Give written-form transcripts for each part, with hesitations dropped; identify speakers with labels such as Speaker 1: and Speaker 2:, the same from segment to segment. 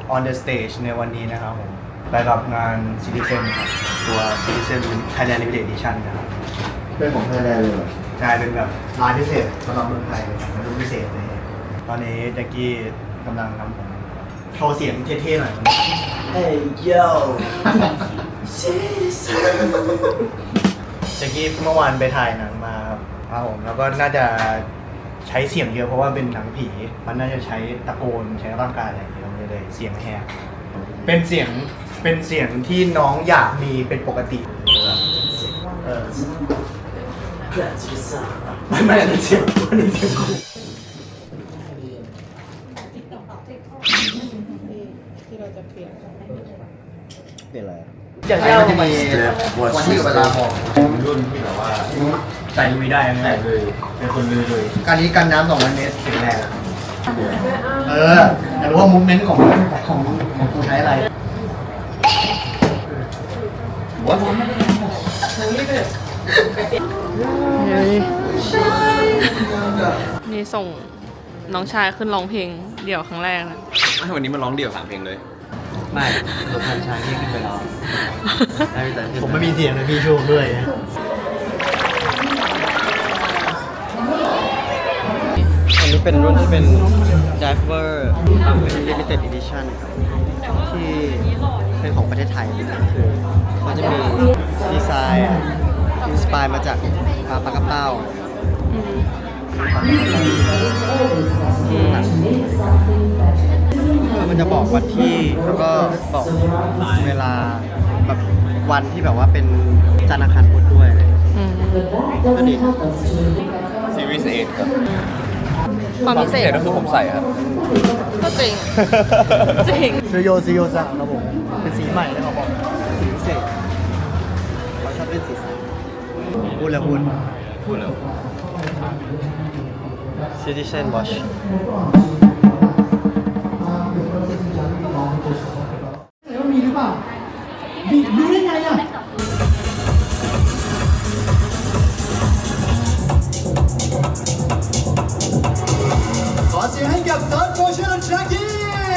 Speaker 1: on the stage ในวันนี้นะครับผมไปกับงาน Citizen ครับตัว Citizen Thailand Limited Edition นะครับ
Speaker 2: เป็นของไทยแลนด์เลยเหรอ
Speaker 1: ใช่เป็นแบบลายพิเศษสำหรับเมืองไทยเป็นรุ่นพิเศษเลยตอนนี้แจ็คกี้กำลังทำผมโชว์เสียงเท่ๆหน่อย Hey yo แจ็คกี้เมื่อวานไปถ่ายหนังมาครับผมแล้วก็น่าจะใช้เสียงเยอะเพราะว่าเป็นหนังผีมันน่าจะใช้ตะโกนใช้ร่างกายอะไรอย่างเงี้ยมันเลยเสียงแหบเป็นเสียงที่น้องอยากมีเป็นปกติไม่อันนี้เสียงกู
Speaker 3: ที่เราจะเปลี่ยน
Speaker 2: เป็นอะไร
Speaker 1: อย่างที่เราจะมี
Speaker 2: วันที่เวลามองรุ่นที่แบบว่า
Speaker 1: ใส่ลุยได้ไหม
Speaker 2: ใส่เลยเป็นคนเลย
Speaker 1: การนี้กันน้ำ200 เมตรถึงแรงอยากรู้ว่ามูฟเมนต์ของกูใช้อะไร
Speaker 3: นี่ส่งน้องชายขึ้นร้องเพลงเดี่ยวครั้งแรกนะ
Speaker 4: วันนี้มาร้องเดี่ยว3 เพลงเลย
Speaker 1: ไม่ตัวพันชายที่ขึ้นไปร้องผมไม่มีเสียงเลยพี่ช่วยด้วยอันนี้เป็นรุ่นที่เป็น Diver Limited Edition ครับที่เป็นของประเทศไทยคือเขาจะมีดีไซน์อินสปายมาจากปลากระเป้ามันจะบอกวันที่แล้วก็บอกเวลาแบบวันที่แบบว่าเป็นจันทร์อังคารพุธด้วยก็ดี
Speaker 4: ซีรีส์8ครับ
Speaker 3: ความพิเศษ
Speaker 4: ก็คือผมใส่ครับ
Speaker 3: ก็จริง จริง
Speaker 1: ซื้อโยสั่งครับผมเป็นสีใหม่เลยเขาบอกสีพิเศษเขาชอบเล่นสีสันพูดแล้วพูด
Speaker 4: พูดแล้ว
Speaker 1: Citizen Watch
Speaker 2: มีหรือเปล่ามีรู้ได้ไงอ่ะขอเสียงให้กับท็อปโฟชั่นแจ็คกี้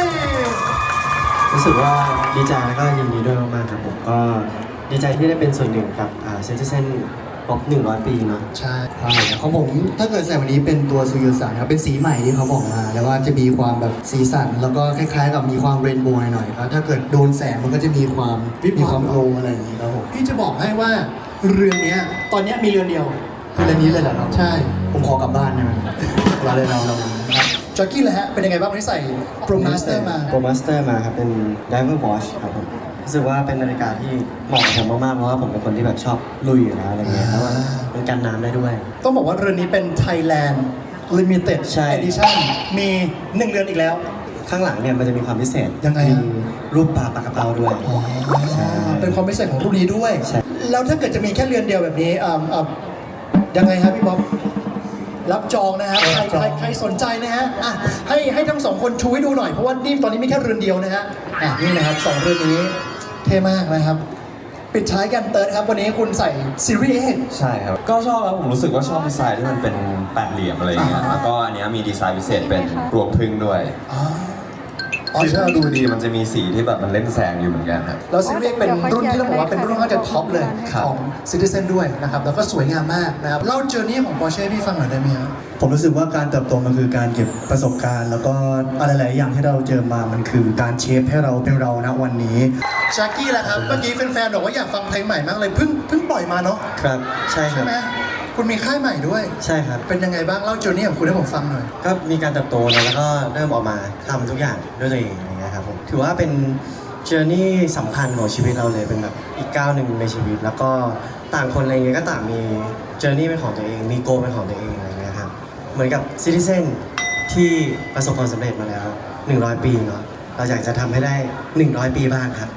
Speaker 5: รู้สึกว่าดีใจแล้วก็ยินดีด้วยมากๆครับผมก็ดีใจที่ได้เป็นส่วนหนึ่งกับเซนเซนครบ100 ปีเนาะ
Speaker 2: ใช่ของผมถ้าเกิดใส่วันนี้เป็นตัวซูยูสันครับเป็นสีใหม่ที่เขาบอกมาแล้วว่าจะมีความแบบสีสันแล้วก็คล้ายๆกับมีความเรนโบว์หน่อยๆครับถ้าเกิดโดนแสงมันก็จะมีความโกลอะไรอย่างนี้ครับผมพี่จะบอกให้ว่าเรือนนี้ตอนนี้มีเรือนเดียวคือเรือนนี้เลยเหรอครับใช่ผมขอกลับบ้านได้ไหมเราเลยเราจ็อกกี้เลยฮะเป็นยังไงบ้างวันนี้ใส่โปรมาสเตอร์มา
Speaker 5: โปรมาสเตอร์มาครับเป็น Diver Watch ครับผมรู้สึกว่าเป็นนาฬิกาที่เหมาะกับผมมากๆเพราะว่าผมเป็นคนที่แบบชอบลุยอยู่แล้วอะไรเงี้ยแล้วมันกันน้ำได้ด้วย
Speaker 2: ต้องบอกว่าเรือนนี้เป็น Thailand Limited
Speaker 5: ใช่
Speaker 2: Edition มี1เรือนอีกแล้ว
Speaker 5: ข้างหลังเนี่ยมันจะมีความพิเศษ
Speaker 2: ยังไง
Speaker 5: มี
Speaker 2: ฮะ
Speaker 5: รูปปลากระเป๋าด้วยใช่
Speaker 2: เป็นความพิเศษของรุ่นนี้ด้วย
Speaker 5: ใช่
Speaker 2: แล้วถ้าเกิดจะมีแค่เรือนเดียวแบบนี้ยังไงครับพี่บ๊อบรับจองนะฮะใครสนใจนะฮะอ่ะให้ทั้ง2คนชูให้ดูหน่อยเพราะว่านี่ตอนนี้มีแค่เรือนเดียวนะฮะนี่นะครับ2เรือนนี้เท่มากนะครับปิดท้ายกันเติร์ดครับวันนี้คุณใส่ซีรีส์
Speaker 4: ใช่ครับ ก็ชอบครับผมรู้สึกว่าชอบดีไซน์ที่มันเป็น8เหลี่ยมอะไรอย่างเงี้ย แล้วก็อันเนี้ยมีดีไซน์พิเศษเป็นรวงพึ่งด้วยที่ถ้าดูดีมันจะมีสีที่แบบมันเล่นแสงอยู่เหมือนกันครับ
Speaker 2: แล้วซีรีส์เป็นรุ่นที่ต้องบอกว่าเป็นรุ่นค่อนข้างจะท็อปเลยของ Citizen ด้วยนะครับแล้วก็สวยงามมากนะครับเล่าเจอร์นี่ของ Porsche พี่ฟังหน่อยได้ไหมครับ
Speaker 6: ผมรู้สึกว่าการเติบโตมันคือการเก็บประสบการณ์ แล้วก็อะไรหลายอย่างที่เราเจอมามันคือการเชฟให้เราเป็นเราณวันนี้
Speaker 2: แจ็คกี้ล่ะครับเมื่อกี้แฟนๆบอกว่าอยากฟังเพลงใหม่มากเลยเพิ่งปล่อยมาเนาะ
Speaker 5: ครับใช่ค
Speaker 2: ใช่
Speaker 5: รับ
Speaker 2: ไหมคุณมีค่ายใหม่ด้วย
Speaker 5: ใช่ครับ
Speaker 2: เป็นยังไงบ้างเล่าเจอร์นี่ของคุณให้ผมฟังหน่อย
Speaker 5: ก็มีการเติบโตนะแล้วก็เริ่มออกมาทำทุกอย่างด้วยตัวเองอย่างเงี้ยครับผมถือว่าเป็นเจอร์นี่สำคัญของชีวิตเราเลยเป็นแบบอีกก้าวหนึ่งในชีวิต แล้วก็ต่างคนอะไรเงี้ยก็ต่างมีเจอร์นี่เป็นของตัวเองมีโกเป็นของตัวเองอะไรเงี้ยครับเหมือนกับซิติเซนที่ประสบความสำเร็จมาแล้ว100 ปีเนาะเราอยากจะทำให้ได้100 ปีบ้างครับ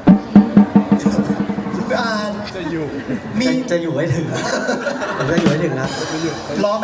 Speaker 2: จะอยู่มี
Speaker 5: จะอยู่ให้ถึง ผมจะอยู่ให้ถึงนะ
Speaker 2: รอไหม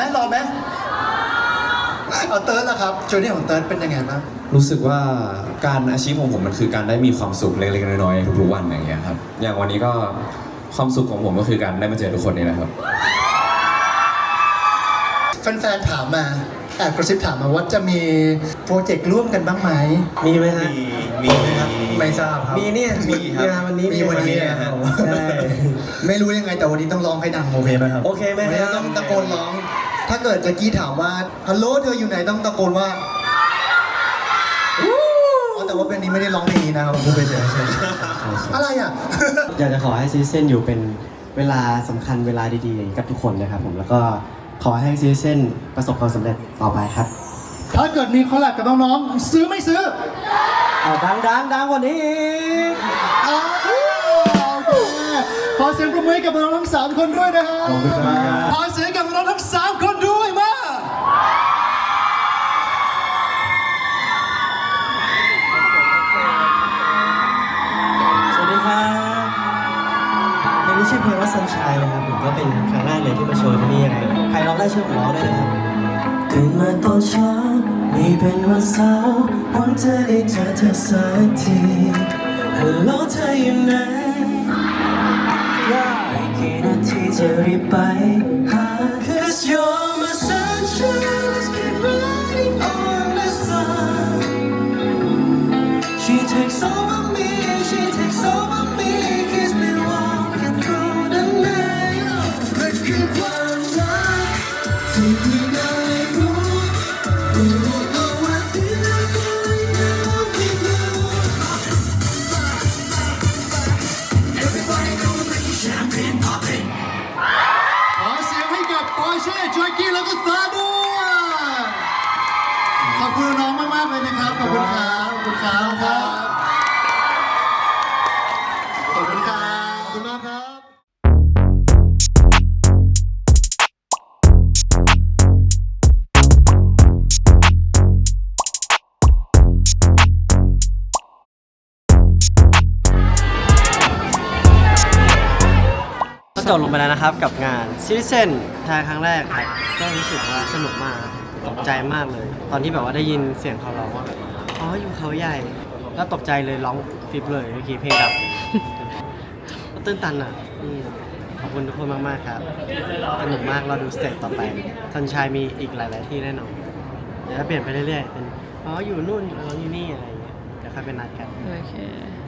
Speaker 2: เอาเติร์ดล่ะครับเจอร์นี่ของเติร์ดเป็นยังไงบ้าง
Speaker 4: รู้สึกว่าการอาชีพของผมมันคือการได้มีความสุขเล็กๆน้อยๆทุกๆวันอย่างเงี้ยครับ อย่างวันนี้ก็ความสุขของผมก็คือการได้มาเจอทุกคนนี่แหละครับ
Speaker 2: แฟนๆถามมา
Speaker 6: แอบกระซิบถามมาว่าจะมีโปรเจกต์ร่วมกันบ้างไหม
Speaker 5: มีไหมฮะ
Speaker 4: มีครับ
Speaker 6: ไม่ทราบครับ
Speaker 5: มีเนี่ย
Speaker 4: มีครับ
Speaker 5: งานวันนี้
Speaker 6: มีวันนี้นะครับ
Speaker 5: ใช่
Speaker 6: ไม่รู้ยังไงแต่วันนี้ต้องร้องให้ดังโอเคไหมครับ
Speaker 5: โอเคไหม
Speaker 6: วันนี้
Speaker 5: ครับ
Speaker 6: ต้องตะโกนร้อง ถ้าเกิดแจ็คกี้ถามว่าฮัลโหลเธออยู่ไหนต้องตะโกนว่าแต่ว่าเป็นนี้ไม่ได้ร้องเพลงนี้นะครับผมพูดไปเฉยๆอะไรอ่ะ
Speaker 5: อยากจะขอให้ซีเซนอยู่เป็นเวลาสำคัญเวลาดีๆกับทุกคนนะครับผมแล้วก็ขอให้ซีเซนประสบความสำเร็จต่อไปครับ
Speaker 6: ถ้าเกิดมีคอลแลบกับน้องๆซื้อไม่ซื้อ
Speaker 5: เอาดังกว่านี้อีก
Speaker 6: โอเคขอเสียงปรบมือให้กับน้องๆทั้ง3คนด้วยนะฮะ
Speaker 5: ขอบคุณครับ
Speaker 6: ขอเสียงกับน้องๆทั้ง3คนด้วยมา
Speaker 5: สวัสดีครับเพลงนี้ชื่อเพลงว่า Sunshine นะครับผมก็เป็นครั้งแรกเลยที่มาโชว์ที่นี่ยังไงใครร้องได้ช่วยผมร้องด้วยนะครับตื่นมาตอนเช้านี่เป็นวันเสาร์หวังจะได้เจอเธอสักทีฮัลโหลเธออยู่ไหนอีกกี่นาทีจะรีบไปหา Cause you're my sunshine let's keep riding on the sun She takes over me, she takes over me, keeps me walking through the night. Let's keep on running, thinking I move. Oh, I feel like falling in love with you. Everybody go make champagne popping.
Speaker 6: ขอเสียงให้กับปอยเช่จอยกี้แล้วก็ซาด้วยขอบคุณน้องมากๆเลยนะครับ ขอบคุณครับขอบคุณครับขอบคุณครับขอบคุณมากครับ
Speaker 1: ก็จบลงไปแล้วนะครับกับงาน Citizen ทายครั้งแรกครับก็รู้สึกว่าสนุกมากตกใจมากเลย ตอนที่แบบว่าได้ยินเสียงเขาร้องว่าอ๋ออยู่เขาใหญ่ก็ตกใจเลยร้องฟิปเลยเมื่อกี้เพลงดับ ก็ตื้นตันอ่ะขอบคุณทุกคนมากๆครับสนุกมากเราดูสเตจต่อไปทันชายมีอีกหลายๆที่แน่นอนเดี๋ยวจะเปลี่ยนไปเรื่อยๆเป็นอ๋ออยู่นู่นอ๋ออยู่นี่อะไรอย่างเงี้ยเดี๋ยวค่อยไปนัดกัน
Speaker 3: โอเค